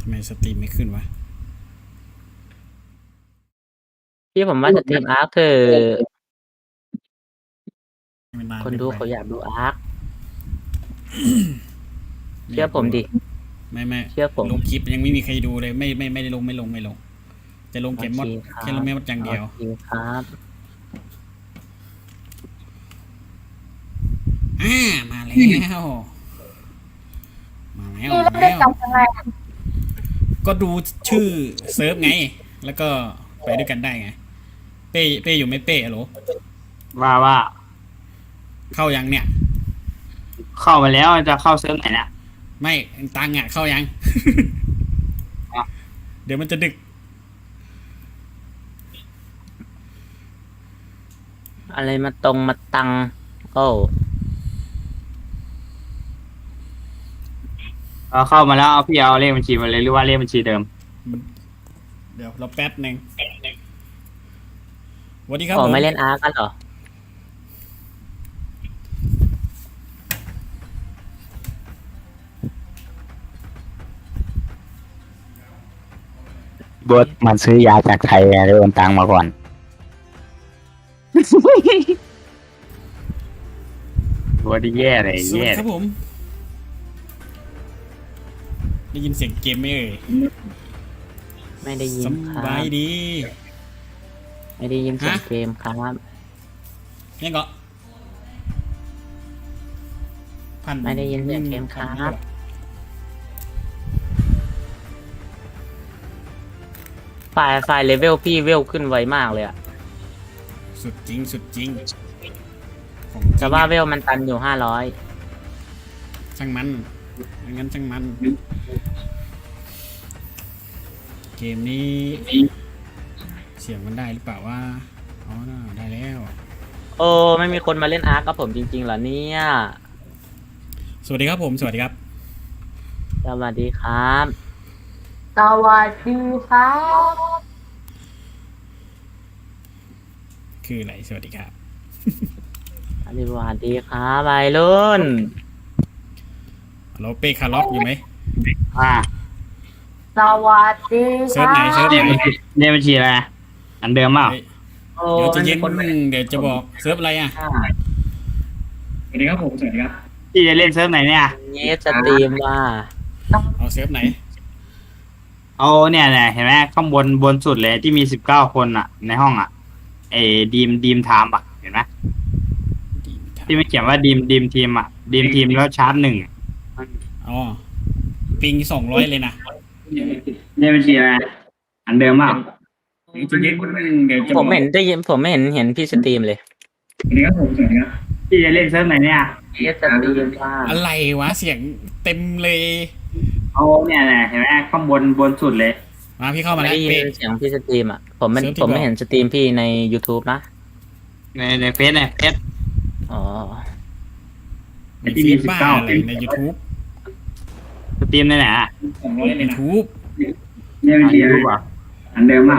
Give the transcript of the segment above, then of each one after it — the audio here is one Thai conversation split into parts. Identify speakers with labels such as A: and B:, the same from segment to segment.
A: ทำไมสตรีมไม่ขึ้นวะ
B: ที่ผมว่าสตรีมอาร์คคือ
A: มันนาน
B: คน
A: เกินไป
B: ดูเขาอยากดูอาร์คเชื่อผมดิ
A: ไม่
B: เชื่อผม
A: ลงคลิปยังไม่มีใครดูเลยไม่ได้ลงไม่ลงจะลงเกมมอดแค่ลงแม่มดอย่างเดียว
B: โอเคครับ
A: มาแล้ว
C: พี่เล่นด้วยกันยังไงอะ
A: ก็ดูชื่อเซิร์ฟไง แล้วก็ไปด้วยกันได้ไงเป้อยู่ไม่เป้หรอ
D: ว่า
A: เข้ายังเนี่ย
D: เข้ามาแล้วจะเข้าเซิร์ฟไหนเนี่ย
A: ไม่ตังอ่ะเข้ายัง เดี๋ยวมันจะดึก
B: อะไรมาตรงมาตัง โอ้
D: เข้ามาแล้วเอาพี่เอาเลขบัญชีมาเลยหรือว่าเลขบัญชีเดิม
A: เดี๋ยวเราแป๊บหนึ่งสวัสดีครับ
B: ขอ
A: ผม
B: ไม่เล่นอาร์คกันเหรอ
E: เบิร์ดมันซื้อยาจากไทยเลยโอนตังมาก่อน
D: ตัวที่แย่เลย
A: สวัส
D: แย่
A: ดีครับผม ได้ยินเสียงเกมไหมเอ่ย
B: ไม่ได้ยินค
A: ส
B: รับ
A: บายดี
B: ไม่ได้ยินเสียงเกมครับ
A: ยังก็พัน
B: ไม่ได้ยินเสียงเกมครับ ไฟล์เลเวลพี่เวลขึ้นไวมากเลยอะ
A: สุดจริงของจ
B: แต่
A: ริง
B: ว่า
A: อะ
B: เวลมันตันอยู่500
A: ช่างมันงั้นช่างมัน เกมนี้ เสียงมันได้หรือเปล่าว่าอ๋อได้แล้ว
B: โอ้ไม่มีคนมาเล่นอาร์คกับผมจริงๆเหรอเนี่ย
A: สวัสดีครับผมสวัสดีครับ
B: สวัสดีครับ
C: สวัสดีครับ
A: คืออะไรสวัสดีครับ
B: สวัสดีครับวัยรุ่น
A: เราเป้คาร์ล็อกอยู่ไหม
D: อ่า
C: สวัสดีค
A: เซิร์ฟ
C: รั
A: ไหนเซิร์ฟ
C: บ
A: ไหน
D: เลขบัญชีอะไรอันเดิมเปล่า
A: เฮ้ย
B: โอ้
A: เดี๋ยวจะ
B: ไม่
A: เย็
B: มี
A: น
B: คนมา
A: เดี๋ยวจะบอกเซิร์ฟอะไรอ่ะสวัสดีครับผมสวัสดีครับ
D: พี่จะเล่นเซิร์ฟไหนเนี่ย
B: เนสสตรีมว่า
A: เอาเซิร์ฟไหน
D: เอาเนี่ยเห็นไหมข้างบนสุดเลยที่มี19 คนอ่ะ ในห้องอ่ะไอ้ดีมไทม์อ่ะเห็นไหมที่ไม่เขียนว่าดีมทีมอ่ะดีมทีมแล้วชาร์จ1
A: อ๋อปิง200เลยนะ
D: เลขบัญชีอะไรอันเดิมเปล่า
A: จะเย็นเดี๋ยวจะ
B: ผมเห็นได้ยินผมไม่เห็นพี่สตรีมเลย
A: สวัสดีครับผมสวัสดีครับ
D: พี่จะเล่นเซิร์ฟไหนเนี่ย
B: เนสสตรีมว่า
A: อะไรวะเสียงเต็มเลย
D: เอาเนี่ยเห็นไหมข้างบนสุดเลย
A: มาพี่เข้ามา
B: ไม่
A: แล้ว
B: ได้ยิน
A: เป้
B: เสียงพี่สตรีมอ่ะผมไม่
A: เซิร์ฟที่
B: ผมไม่
A: บอก
B: เห็นสตรีมพี่ใน YouTube นะ
D: ในเฟซเฟซ
B: อ๋อ
A: มีเฟซบ้าอะไรใน YouTube
D: สตรีมในไหนอ่ะ
A: YouTube
D: เลขบัญชีอะไรอันเดิมเปล่า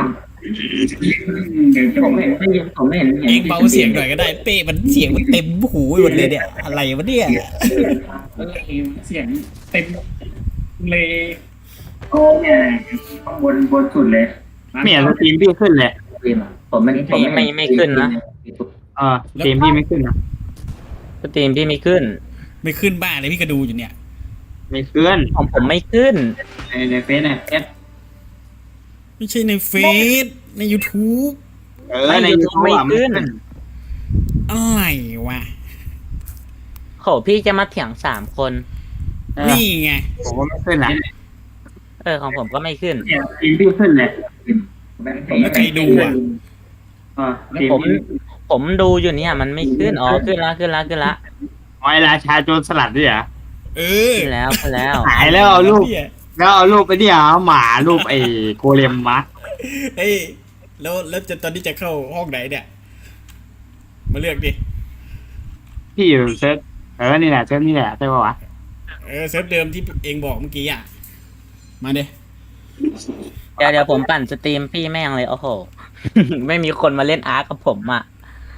B: ผมไม่เห็นได้ยินผมไม่เห็น
A: เองเบาเสียงหน่อยก็ได้เป้มันเสียงมันเต็มหูหมดเลยเนี่ยอะไรวะเนี่ยเสียงเต็มเลย
D: โอ้เนี่ยข้างบนสุดเลยไม่เห็นสตรีมพี่ขึ้นเลย
B: สตรีมอะผมไม่ขึ้นนะ
D: สตรีมพี่ไม่ขึ้นนะ
B: สตรีมพี่ไม่ขึ้น
A: ไม่ขึ้นบ้าเลยพี่ก็ดูอยู่เนี่ย
D: ไม่ขึ้น
B: ของผมไม่ขึ้น
D: ในเฟซเฟซ
A: ไม่ใช่ในเฟซใน YouTube
D: ในยูทูบ
B: ไม่ขึ้น
A: อะไรวะ
B: โหพี่จะมาเถียง3 คน
A: นี่ไง
D: ผมก็ไม่ขึ้นนะ
B: ของผมก็ไม่ขึ้น
D: สตรีมพี่ขึ้นเลย
A: แล้วใครดูอ่ะ
D: สตรีม
B: ผมดูอยู่เนี่ยมันไม่ขึ้นอ๋อขึ้นละ
D: อ๋อราชาโจรสลัดด้วยเหรอ
A: เออ
B: ขึ้นแล้ว
D: หายแล้วเอารูป
A: เนี่ย
D: แล้วเอารูปไปเนี่ยหมารูปไอ้โกเลมมา
A: เฮ้ยแล้วจะตอนนี้จะเข้าห้องไหนเนี่ย มาเลือกดิ
D: พี่อยู่เซิร์ฟนี่แหละเซิร์ฟนี่แหละใช่ป่าวะ
A: เซิร์ฟเดิมที่เองบอกเมื่อกี้อ่ะ มาเด้
B: เดี๋ยวผมปั่นสตรีมพี่แม่งเลยโอ้โห ไม่มีคนมาเล่นอาร์คกับผมอ่ะ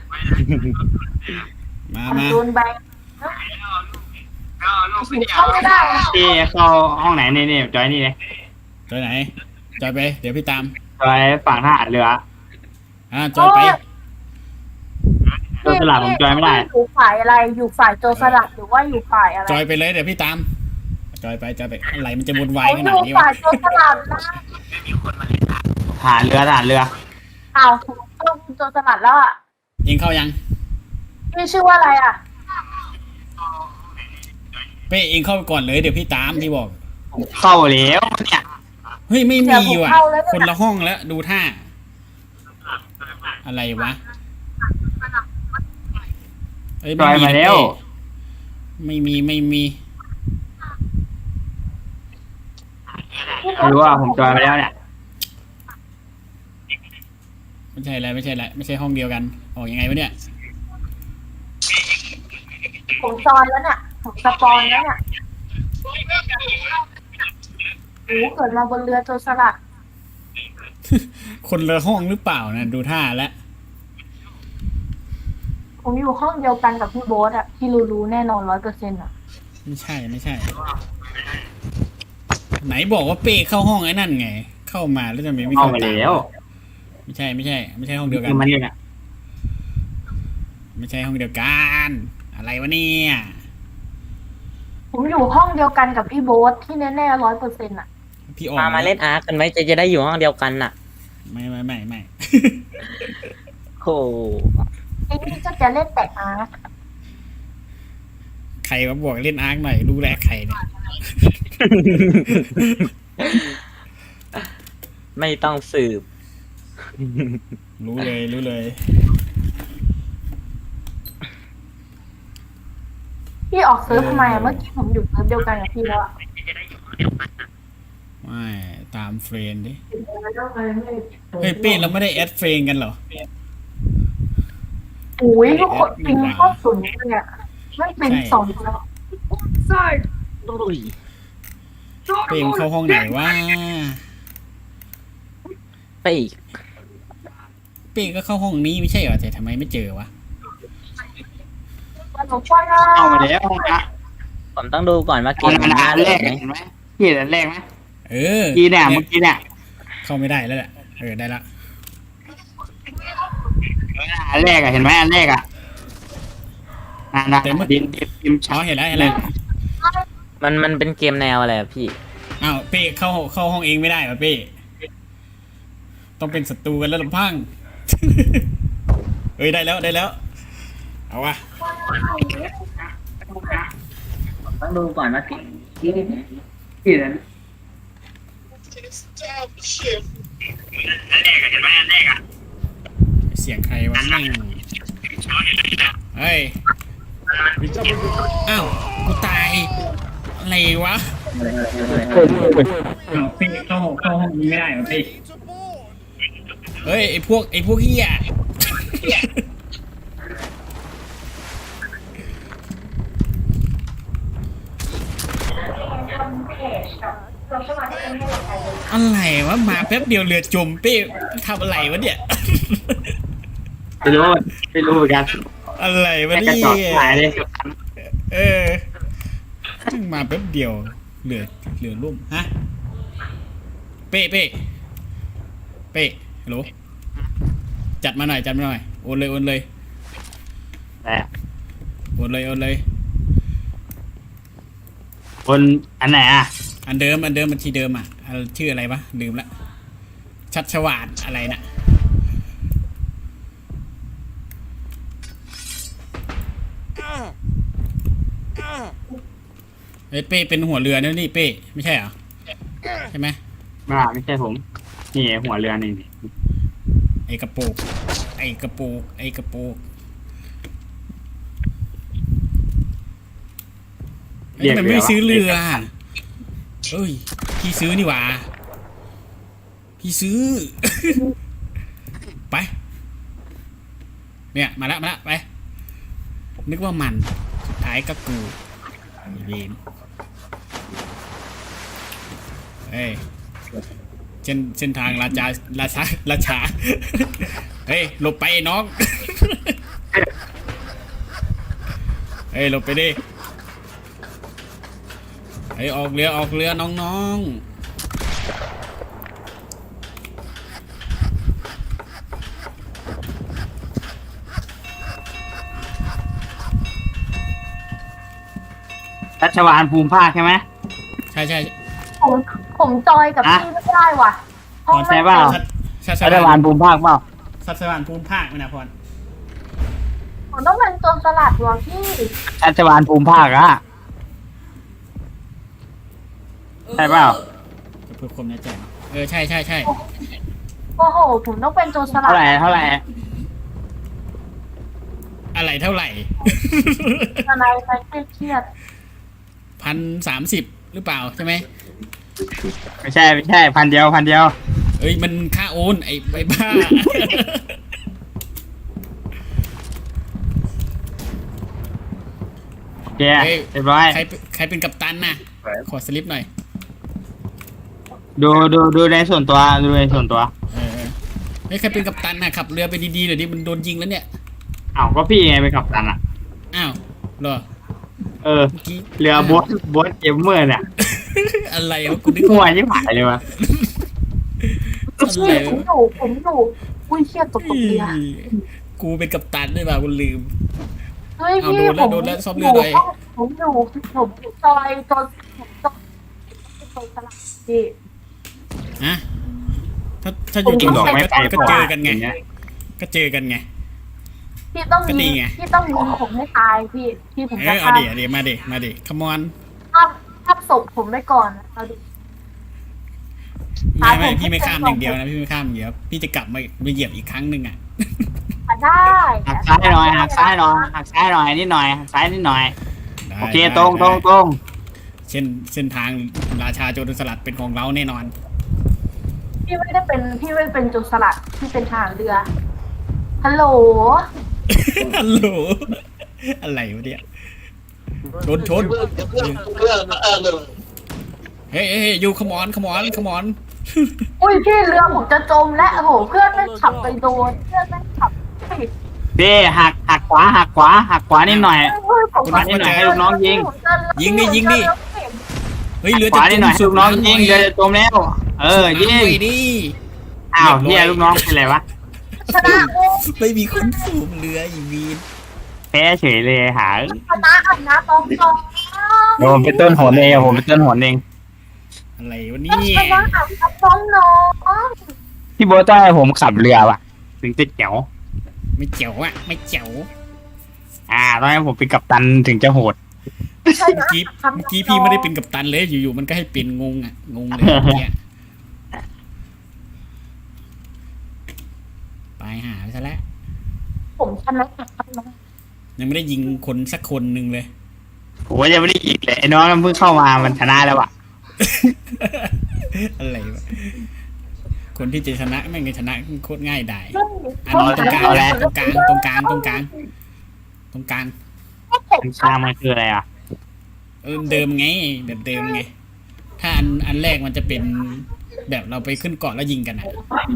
A: มา
C: โดนแบงเข้าไม่ได้นะ
D: พี่เข้าห้องไหนนี่จอยนี่เลย
A: จอยไหนจอยไปเดี๋ยวพี่ตาม
D: จอยฝั่งทหารเรือ
A: จอยไป
D: โดนสลับผมจอยไม่ได้
C: อยู่ฝ่ายอะไร อยู่ฝ่ายโจรสลัดหรือว่าอยู่ฝ่ายอะไร
A: จอยไปเลยเดี๋ยวพี่ตามจอยไปอะไรมันจะวุ่นวาย
C: เขา
A: ข
C: อ
A: นาด
C: ยู่
A: นี้
C: ฝ่ายว
A: ะ
C: โจรสลัดนะ
D: ทหารเรือทหารเรือ
C: อ้าวต้องโจรสลัดแล้วอ่ะ
A: เองเข้ายัง
C: พี่ชื่อว่าอะไรอ่ะ
A: เป้เองเข้าไปก่อนเลยเดี๋ยวพี่ตามที่บอก
D: เข้าแล้วเนี่ย
A: เฮ้ยไม่
C: เดี๋
A: มี
C: ยวผม
A: ว่ะ
C: เข้าแล้วเนี่ย
A: คนละห้องแล้วดูท่า อะไรวะเอ้ย
D: จอยมาแล้ว
A: ไม่มี
D: ไม่รู้ว่าผมจอยมาแล้วเนี่ย
A: ไม่ใช่อะไรไม่ใช่ห้องเดียวกันออกยังไงวะเนี่ย
C: ผมจอยแล้วเนี่ยผมสปอนแล้วเนี่ยโอ้เกิดมาบนเรือโจรสลัด
A: คนละห้องหรือเปล่านะดูท่าแล้ว
C: ผมอยู่ห้องเดียวกันกับพี่โบ๊ทอ่ะพี่รู้แน่นอน100%อ่ะ
A: ไม่ใช่ ไหนบอกว่าเป้เข้าห้องไอ้นั่นไง เข้ามาแล้วทำไมไม่
D: เข้า
A: เข้า
D: มา
A: ตาม
D: แล้ว
A: ไม่ใช่ห้องเดียวกัน
D: คือมันเนี่ย
A: ไม่ใช่ห้องเดียวกัน อะไรวะเนี่ย
C: ผมอยู่ห้องเดียวกันกับพี่โบ๊ทที่แน่ๆ100%อ่ะ
A: พี่ออก
B: มาเล่นอาร์คกันไหมจะได้อยู่ห้องเดียวกันน่ะ
A: ไม่
B: โอ้
C: ไอ้นี่ก็จะเล่นแต่อาร์ต
A: ใครมาบอกเล่นอาร์คหน่อยรู้แหละใครเนี่ย
B: ไม่ต้องสืบ
A: รู้เลย
C: พี่ออกเซิร์ฟทำไมอะเมื่อกี้ผมอยู่เซิร์ฟเดียวกันกับพี่แล้วอะ
A: ไม่ตามเฟรนด์ดิเฮ้ยเป้เราไม่ได้แอดเฟรนด์กันเหรอ
C: อุ้ยทุกคนปิงโคตรสูงเลยอะไม่เป็นสองแล้ว
A: เป้มเข้าห้องไหนวะ
B: ไปอีก
A: เป้ก็เข้าห้องนี้ไม่ใช่เหรอแต่ทำไมไม่เจอวะ
C: มันบอกว่า
D: เข้ามาแล้วห้องนะ
B: ผมต้องดูก่อนว่าเก
D: ห้อง
B: มมัน
D: นั้น
B: น่า
D: อัน
B: เล่
D: แร
B: น
D: ก
B: ไหม
D: เห็นไหมพี่เห็นอันแรกไหม
A: เออ
D: เมื่อกี้เนี่ย
A: เข้าไม่ได้แล้วแหละได้ละ
D: อันแรกอะเห็นไหมอันแรกอะนั่นดิน
A: อ๋อเห็นแล้ว
B: มันเป็นเกมแนวอะไรอะพี่
A: อ้าวเป้เข้าห้องเองไม่ได้ป่ะเป้ต้องเป็นศัตรูกันแล้วลำพัง เอ้ยได้แล้วเอาวะ
B: ต้องดูก่อนว่าเกม
D: พี่เห็น
A: เสียงใครวะแม่งเฮ้ยอ้าวกูตายอะไรวะพี่เข้าห้องนี้ไม่ได้เหรอพี่เฮ้ยไอพวกเหี้ยอะไรวะมาแป๊บเดียวเรือจมเป้ทำอะไรวะเนี่ย
D: ไม่รู้เหมือนกัน
A: อะไรวะ
D: กระ
A: เนี่
D: จอกหาย
A: ย
D: เลย
A: มาแป๊บเดียวเหลือร่มฮะเป้ฮัลโหลจัดมาหน่อยโอนเลย
D: แต่
A: โอนเลย
D: คนอันไหนอ่ะ
A: อันเดิมบัญชีเดิมอ่ะชื่ออะไรวะลืมละชัชวาลอะไรนะเฮ้ยเป้เป็นหัวเรือนะนี่เป้ไม่ใช่เหรอใช่ไหม
D: ไม่ใช่ผมนี่หัวเรือนี่
A: ไอกระโปกเฮ้ยทำไมไม่ซื้อเรือเอ้ยพี่ซื้อนี่หว่าพี่ซื้อ ไปเนี่ยมาละไปนึกว่ามันสุดท้ายก็กูเวนเฮ้ยเส้นทางราชา เฮ้ยหลบไปน้อง เฮ้ยหลบไปดิเฮ้ยออกเรือน้อง
D: ชัชวาลภูมิภาคใช่ไหม
A: ใช่ใช่
C: ผมผมจอยกับ
D: อ่ะ
C: พี่ไม่ได้ว่ะห้อง
D: ใช่เปล่า
A: ชัช
E: รัฐบา
A: วา
E: ล
A: ล
E: ภูมิภาคเปล่า
A: ชัชวาลภูมิภาคไม่นะพร
C: ผมต้องเป็นโจรสลัดว่ะพี่
E: รัฐบาลภูมิภาคอะ
D: ใช่เปล่า
A: เพื่อความแน่ใจใช่ใช่ใช่
C: โอ้โหผมต้องเป็นโจรสลั
D: เท่า
C: ด
D: ไหร่เท่าไหร่
A: อะไรเท่าไหร่
C: ทนายไปเครียด
A: 1,030หรือเปล่าใช่ไหม
D: ไม่ใช่ไม่ใช่พันเดียว
A: เอ้ยมันค่าโอนไอ้บ้า
D: โอเคเรียบร้อย
A: ใครเป็นกัปตันน่ะขอสลิปหน่อย
D: ดูในส่วนตัวดูในส่วนตัว
A: เฮ้ยใครเป็นกัปตันน่ะขับเรือไปดีๆเดี๋ยวนี้มันโดนยิงแล้วเนี่ย
D: อ้าวก็พี่ไงไปกับตันอ่ะ
A: อ้าวเหรอ
D: เออ
A: เมื่อกี้
D: เรือโบ๊ทเกมเมอร์เนี่ย
A: อะไรวะกูนึก
D: หัวยิ่งหายเลยวะ
A: อะไร
C: ผม
A: วะ
C: อยู่อุ้ยเครียดตกเรือ
A: กูเป็นกัปตันด้วยป่ะกูลืม
C: เฮ้ย
A: เอา
C: พี่
A: โดนแล้วซ่อมเรือหน่อย
C: ผมอยู่จอยโจรสลัดพี่
A: ฮะถ้าอยู่
D: จริงหรอ
A: กั
D: ไม่
A: บ
D: ไป
A: ก็เจอกันไงก็เจอกันไง
C: พี่ต้อง
A: ก็ดี
C: ยิง
A: ไง
C: พี่ต้องยิงผมให้ตายพี่ผม
A: เอ
C: จะ
A: อเอาดิมาดิขมอน
C: ข้ามศพผมไปก่อนเอาดิ
A: ไม่พี่ไม่ข้ามอย่างเดียวนะพี่ไม่ข้ามอย่างเดียวพี่จะกลับมาเหยียบอีกครั้งหนึ่งอ่ะ
C: ได้
D: หักซ้ายหน่อยหักซ้ายหน่อยหักซ้ายหน่อยนิดหน่อยหักซ้ายนิดหน่อย
A: ได้
D: โอเค
A: ได้
D: ตรง
A: ได้เส้นทางราชาโจรสลัดเป็นของเราแน่นอน
C: พี่ไม่ได้เป็นโจรสลัดพี่เป็นทหารเรือฮัลโหล
A: ฮัลโหลอะไรวะเนี่ยโดนชนเฮ้ยยูขมอน
C: อุ้ยพี่เรือผมจะจมและโอ้โหเพื่อนไม่ขับไปโดนเพื่อนไม่ขับผิด
D: พี่หักขวานิดหน่อย
C: ผม
D: นิดหน่อยให้ลูกน้องยิง
A: ยิงดิเฮ้ยเรือ
D: ข
A: จะ
D: วานิดหน่อยให้ลูกน้องยิงเดี๋ยวจะจมแล้วยิง
A: ดิ
D: อ้าวเนี่ยลูกน้องเป็นไรวะ
C: ชนะโอ้
A: ไม่มีคนสูบเรืออีวีน
D: แพ้เฉยเลยหา
C: ชนะอันนะตอง
E: เดี๋ยวผมเป็นต้นหนเองผมเป็นต้นหนเอง
A: อะไรวะเนี่
C: ชนะ
A: ย
C: อันนะน้องน้อง
E: พี่โบ๊ทต้องให้ผมขับเรือว่ะ
D: ถึงจะแจ๋ว
A: ไม่เจ๋วอ่ะไม่เจ๋ว
D: ต้องให้ผมเป็นกัปตันถึงจะโหด
A: เมื่อกี้พี่ไม่ได้เป็นกัปตันเลยอยู่ๆมันก็ให้เป็นงงเลยเนี่ยไปหาไปซะแล้ว
C: ผมชนะ
A: ยังไม่ได้ยิงคนสักคนหนึ่งเลย
D: โอ้ยยังไม่ได้ยิงเลยไอ้น้องมันเพิ่งเข้ามามันชนะแล้วอะ
A: อะไรวะคนที่จะชนะแม่งจะชนะโคตรง่ายได้อันนี้ตรงกลางตรงกลาง
D: มันช้างมันคืออะไรอ่ะ
A: เดิมไงแบบเดิมไงถ้าอันแรกมันจะเป็นแบบเราไปขึ้นเกาะแล้วยิงกันอ่ะ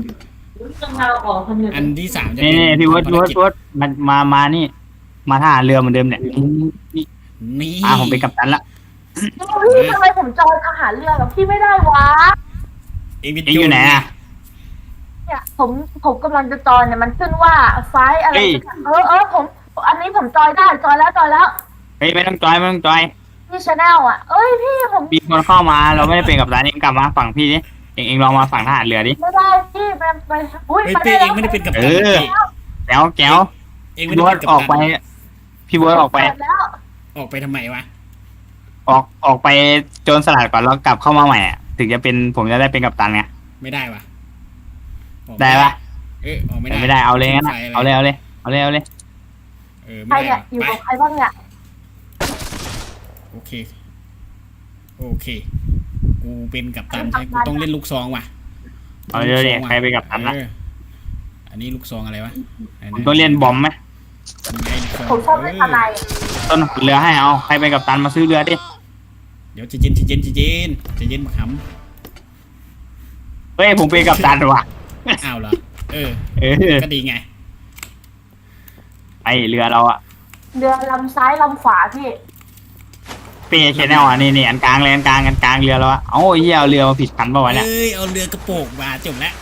A: อันที่3จะ
D: นี่
A: เป็น
D: พี่วด
A: ภารกิจ
D: มันมานี่ มาท่าเรือเหมือนเดิมเนี่ย
A: นี่
D: ผมเป็นกัปตันละ
C: พี่ทำไมผมจอยทหารเรือกับพี่ไม่ได้วะ
A: เอ็งเป็น
D: เอ็งอยู่ไหนอ่ะ
C: เนี่ยผมกำลังจะจอยเนี่ยมันขึ้นว่าไฟอะไรผมอันนี้ผมจอยได้จอยแล้ว
D: เฮ้ยไม่ต้องจอย
C: พี่ชาแนลอ่ะเอ้ยพี่ผม
D: มีคนเข้ามาเราไม่ได้เป็นกัปตันเองกลับมาฝั่งพี่ดิเอ็งลองมาฝั่งทหารเรือดิ
C: ไม่ได้พี่ไปอุ้ย
A: เฮ้ย
C: ไป
A: เป้
C: ได้
A: เอ็งไม่ได้เป็นกัปตัน
D: แก้ว
A: เอ็งไม่
D: พี่
A: ได้
D: ว
A: เป็
D: ด
A: นกัป
D: ออกไป
A: ตัน
D: พี่วดออกไป
C: แล้ว
A: ออกไปทำไมวะ
D: ออกไปโจรสลัดก่อนแล้วกลับเข้ามาใหม่อ่ะถึงจะเป็นผมจะได้เป็นกัปตันไง
A: ไม่ได้วะออก
D: ได้ปะ
A: ออกไม่ได้
D: ไม่ได้เอาเลยงั้น
A: ไฟะไร
D: เอาเลย
C: ใคร
A: ไม่
C: เนี่
A: ได้
C: ยอยู่
A: ไป
C: กับใครบ้างเนี่ย
A: โอเคกูเป็นกัปตันใช่กูต้องเล่นลูกซองว่ะ
D: เอาเลยดิใครเป็นกัปตันละ
A: อันนี้ลูกซองอะไรวะ
D: ผมต้องเล่นบอมไหม
C: ผมชอบเล่นอะไร
D: ต้นเรือให้เอาใครเป็นกัปตันมาซื้อเรือดิ
A: เดี๋ยวจะเย็นมาข
D: เฮ้ยผมเป็นกัปตันว่ะ
A: ำอ้าวเหรอเออ ก็ดีไง
D: ไปเรือเราอะ
C: เรือลำซ้ายลำขวาพี่
D: เป้ชแนลอะนี่อันกลางเลยอันกลางเรือเราอะเอ้าเฮียเอาเรือมาผิดคันป่าวะเนี่ย
A: เอ้ยเอาเรือกระโปงมาจบแล้ว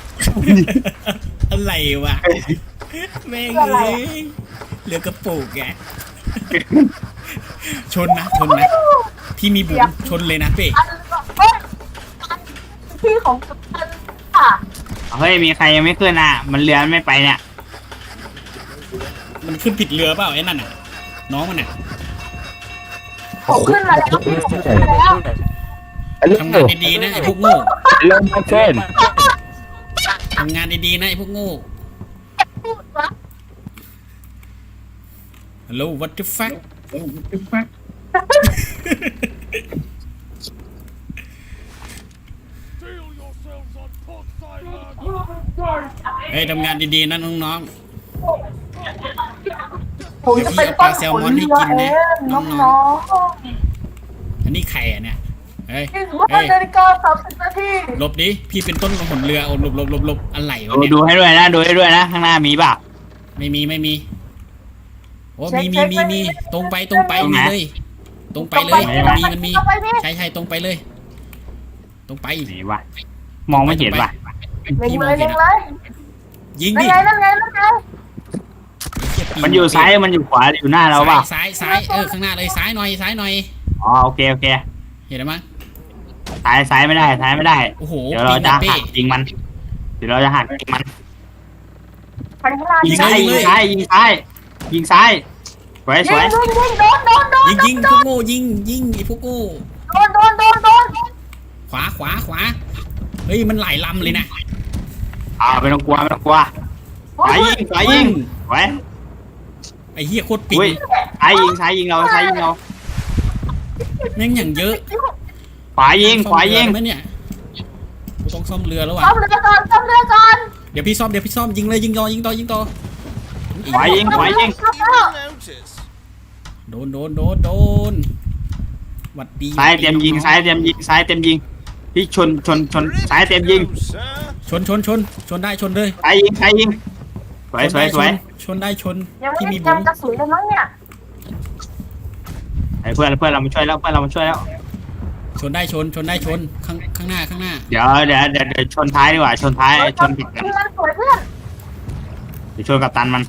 A: อะไรวะแม่งเอ้ยเรือกระโปงแกชนนะพี่มีบุ๋มชนเลยนะเป้
C: อันเฮ้ยที่ของกัปตันค่ะ
D: เฮ้ยมีใครยังไม่ขึ้นอ่ะมันเรือไม่ไปเนี่ย
A: มันขึ้นผิดเรือเปล่าไอ้นั่นน่ะน้องมันน่ะ
C: ผมขึ้นมาแล้วขึ้นมาแล้ว
A: ทำงานดีๆนะไอ้พวกโง่
E: ลงมาเช่น
A: ทำงานดีๆนะไอ้พวกโง่
C: พูดวะ
A: ฮัลโหล what the fuck เฮ้ยทำงานดีๆนะน้อง
C: ผมจะเป็นต้นผลเรือเองน้อง
A: ๆอันนี้ใครอ่ะเนี่ยเฮ้ย
C: ๆ25 นาฬิกา 30 นาที
A: หลบดิพี่เป็นต้นของผลเรือโอ้หลบอะไรวะ
D: ดู
A: เนี่ย
D: ดูให้ด้วยนะดูให้ด้วยนะข้างหน้ามีเปล่า
A: ไม่มีโอ้มีตรงไปมีเลยตรงไปเลยมันมีใช่ตรงไปเลย ตรงไป
D: ไหนวะมองไม่เห็นว่ะ
C: เล็งเลยเล็งเลย
A: ยิง
C: นั่
A: ดิ
C: นไงนั่นไงนั่นไง
D: มันอยู่ซ้ายมันอยู่ขวาอยู่หน้าเราเปล่า
A: ซ้ายข้างหน้าเลยซ้ายหน่อย
D: อ๋อโอเค
A: เห็นไหมย
D: ซ้ายไม่ได้ซ้ายไม่ได้
A: โอ้โห
D: เดี๋ยวเราจะ
A: ปี
D: หักยิงมันเดี๋ยวเราจะหักยิงมัน
C: ไปข้างหน้า
D: ยิ
C: ยิ
D: ง
C: ง
D: ซ้ายยิงซ้ายยิงซ้ายยิงซ้ายสวยสวย
C: โดนพวกโง่
A: ยิงไอ้พวกโง่
C: โดน
A: ขวาเฮ้ยมันหลายลำเลยนะ
D: ไม่ต้องกลัวสายยิงสวย
A: ไอ้เหี้ยโคตรปิง
D: อุ้ยซ้ายยิงเรา
A: แม่งอย่างเยอะ
D: ขวายิง
A: ไหมเนี่ยกูต้องซ่อมเรือแล้วว่ะ
C: ซ่อมเรือก่อน
A: เดี๋ยวพี่ซ่อมยิงเลยยิงต่อ
D: ขวายิง
A: โดนหวัดดี
D: ซ้ายเตรียมยิงพี่ชนซ้ายเตรียมยิง
A: ชนได้ชนเลย
D: ซ้ายยิงสวย
A: ชนได้ชน
C: ยังไม่
A: ที่
C: มี
A: มี
C: กา
A: บุ๋
C: ร
A: ม
C: กระสุนเลยมั้งเนี่ย
D: ไอ้เพื่อนเรามาช่วยแล้ว
A: ชนได้ชนข้างหน้า
D: เดี๋ยวชนท้ายดีกว่าชนท้ายชนผิดกัน
C: มันสวยเพื่อน
D: เดี๋ยวชนกับตันมัน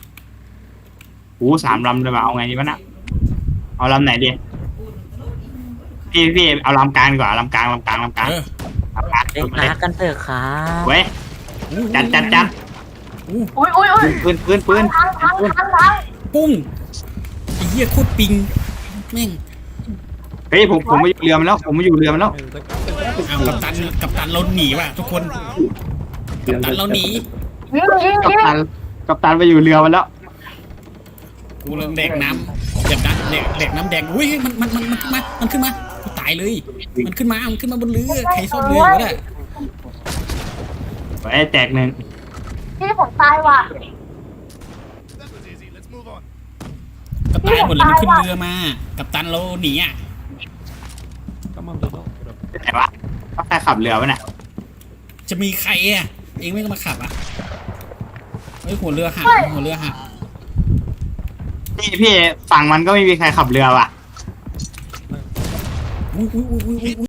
D: 3 ลำเลยว่ะเอาไงดีวะน่ะเอาลำไหนดีพี่เอาลำกลางดีกว่าลำกลาง
A: เออ
D: ลำกลาง
B: เล่นอาร์คกันเถอะครับ
D: เว้ยจัด
C: อุ้ย
D: ปืน
C: ทาง
A: ปุ้งไอ้เหี้ยโคตรปิงแม่ง
D: เฮ้ยผมมาอยู่เรือมันแล้ว
A: เอากัปตันเราหนีว่ะทุกคนกัปตันเราหนี
C: ยิง
D: กัปตันไปอยู่เรือมันแล้ว
A: กูเริ่มแดกน้ำเด็กน้ำแดงอุ้ยมันขึ้นมากูตายเลยมันขึ้นมาบนเรือใครซ่อมเรือวะเนี่ย
D: ไอ้แตก 1
C: พี่ผมตายว่ะ
A: ก็ตายหมดเลยมันขึ้นเรือมากัปตันเราหนีอ่ะ
D: ไหนวะก็ใครขับเรือวะเนี่ย
A: จะมีใครอ่ะเองไม่ก็มาขับอ่ะเฮ้ยหัวเรือหัก
D: พี่ฝั่งมันก็ไม่มีใครขับเรือว่ะ
A: อุ้ย